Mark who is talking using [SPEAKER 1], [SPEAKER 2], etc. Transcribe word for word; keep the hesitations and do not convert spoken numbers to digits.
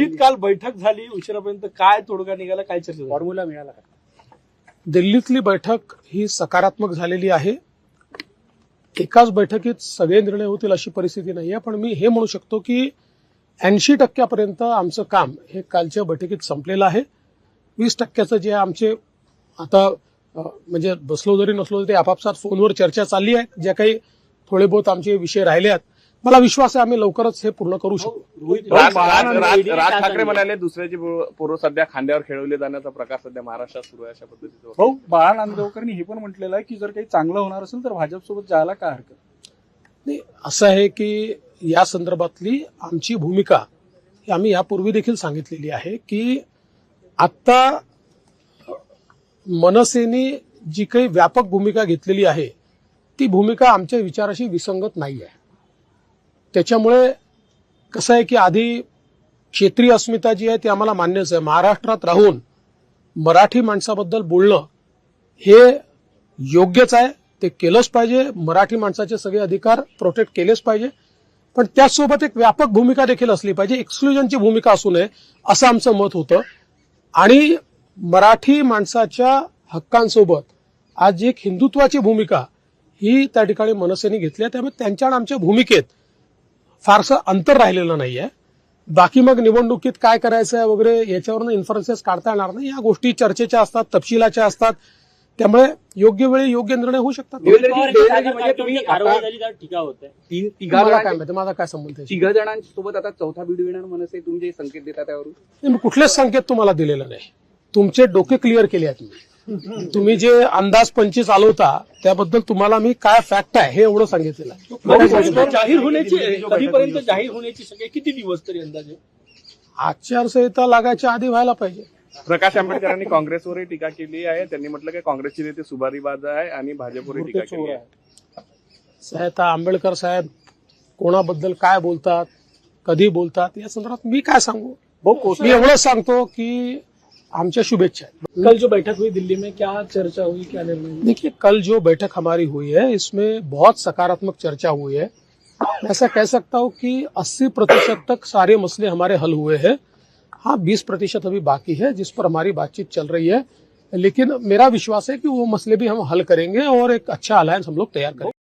[SPEAKER 1] दिल्लीत काल बैठक झाली उशिरापर्यंत, काय तोडगा निघाला, काय चर्चा झाली?
[SPEAKER 2] फॉर्म्युला मिळाला का?
[SPEAKER 3] दिल्लीतली बैठक ही सकारात्मक झालेली आहे. एकाच बैठकीत सगळे निर्णय होतील अशी परिस्थिती नाही आहे, पण मी हे म्हणू शकतो की ऐंशी टक्क्यापर्यंत आमचं काम हे कालच्या बैठकीत संपलेलं आहे. वीस टक्क्याचं जे आमचे आता अ, म्हणजे बसलो जरी नसलो तरी आपापसात फोनवर चर्चा चालली आहे. जे काही थोडे बहुत आमचे विषय राहिले आहेत, मला विश्वास आहे आम्ही लवकरच हे पूर्ण करू शकतो.
[SPEAKER 4] राज राज- राज- राज ठाकरे म्हणाले दुसऱ्याची पोरं सध्या खांद्यावर खेळवले जाण्याचा प्रकार सध्या महाराष्ट्रात सुरू आहे, अशा पद्धतीचं.
[SPEAKER 2] भाऊ, बाळा नांदगावकरांनी हे पण म्हटलेलं आहे की जर काही चांगलं होणार असेल तर भाजपसोबत जायला काय हरकत
[SPEAKER 3] नाही. असं आहे की या संदर्भातली आमची भूमिका ही आम्ही यापूर्वी देखील सांगितलेली आहे की आता मनसेने जी काही व्यापक भूमिका घेतलेली आहे ती भूमिका आमच्या विचाराशी विसंगत नाही आहे. त्याच्यामुळे कसं आहे की आधी क्षेत्रीय अस्मिता जी आहे ती आम्हाला मान्यच आहे. महाराष्ट्रात राहून मराठी माणसाबद्दल बोलणं हे योग्यच आहे, ते केलंच पाहिजे. मराठी माणसाचे सगळे अधिकार प्रोटेक्ट केलेच पाहिजे, पण त्याचसोबत एक व्यापक भूमिका देखील असली पाहिजे. एक्सक्लुजनची भूमिका असू नये असं आमचं मत होतं. आणि मराठी माणसाच्या हक्कांसोबत आज एक हिंदुत्वाची भूमिका ही त्या ठिकाणी मनसेने घेतली आहे. त्यामुळे त्यांच्या आणि आमच्या भूमिकेत फारसं अंतर राहिलेलं नाही आहे. बाकी मग निवडणुकीत काय करायचं आहे वगैरे याच्यावरून इन्फरन्सेस काढता येणार नाही. या गोष्टी चर्चेच्या असतात, तपशिलाच्या असतात, त्यामुळे योग्य वेळी योग्य निर्णय होऊ शकतात.
[SPEAKER 5] म्हणजे तुम्ही कारवाई झाली तर टीका होत आहे.
[SPEAKER 3] मला काय माहिती, माझा काय संबंध आहे?
[SPEAKER 6] तिघ जणांसोबत आता चौथा बीड येणार मनसे, तुम्ही जे संकेत देता त्यावरून
[SPEAKER 3] नाही, मी कुठलेच संकेत तुम्हाला दिलेला नाही. तुमचे डोके क्लिअर केले आहेत मी. तुम्ही जे अंदाज पंचवीस आलवता त्याबद्दल तुम्हाला मी काय फॅक्ट आहे हे एवढं सांगितलेलं आहे.
[SPEAKER 1] जाहीर होण्याची कधीपर्यंत जाहीर होण्याची सगळे किती दिवस तरी अंदाजे?
[SPEAKER 3] आचारसंहिता लागायच्या आधी व्हायला पाहिजे.
[SPEAKER 4] प्रकाश आंबेडकरांनी काँग्रेसवरही टीका केली आहे. त्यांनी म्हटलं की काँग्रेसचे नेते सुभारीबाज आहे आणि भाजपवरही टीका केली आहे.
[SPEAKER 3] साहेब आंबेडकर साहेब कोणाबद्दल काय बोलतात, कधी बोलतात, या संदर्भात मी काय सांगू. मी एवढंच सांगतो की आमच्या शुभेच्छा हैं।
[SPEAKER 1] कल जो बैठक हुई दिल्ली में, क्या चर्चा हुई, क्या निर्णय?
[SPEAKER 3] देखिए, कल जो बैठक हमारी हुई है इसमें बहुत सकारात्मक चर्चा हुई है। मैं ऐसा कह सकता हूँ कि अस्सी प्रतिशत तक सारे मसले हमारे हल हुए हैं। हाँ, बीस प्रतिशत अभी बाकी है जिस पर हमारी बातचीत चल रही है, लेकिन मेरा विश्वास है कि वो मसले भी हम हल करेंगे और एक अच्छा अलायंस हम लोग तैयार करेंगे।